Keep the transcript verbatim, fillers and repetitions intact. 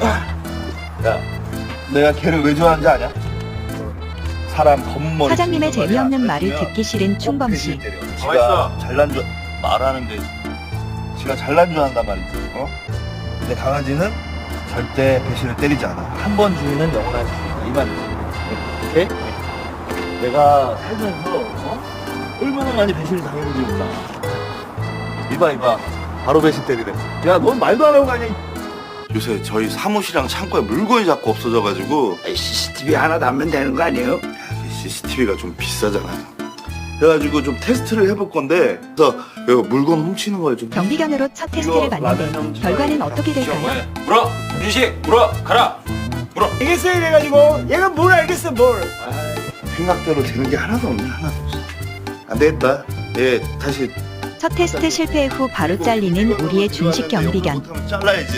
야, 내가 걔를 왜 좋아하는지 아냐? 사람 겉머리. 사장님의 재미없는 말을 듣기 싫은 충범씨. 지가 잘난 줄 말하는데 지가 잘난 줄 안단 말이지. 어? 근데 강아지는 절대 배신을 때리지 않아. 한 번 주인은 영원한 주인. 이 말이지. 오케이? 내가 살면서 어? 얼마나 많이 배신을 당했는지 몰라. 이봐 이봐. 바로 배신 때리래. 야, 넌 말도 안 하고 가냐? 요새 저희 사무실이랑 창고에 물건이 자꾸 없어져가지고 씨씨티비 하나 담으면 되는 거 아니에요? 씨씨티비가 좀 비싸잖아요. 그래가지고 좀 테스트를 해볼 건데 그래서 이거 물건 훔치는 거에 좀 경비견으로 첫 테스트를 봤는데 결과는 어떻게 될까요? 물어! 윤식! 물어! 가라! 물어! 알겠어요 이래가지고 얘가 뭘 알겠어 뭘. 생각대로 되는 게 하나도 없네. 하나도 없어. 안 되겠다. 예, 다시 첫 테스트 실패 후 바로 잘리는 우리의 준식 경비견. 못하면 잘라야지.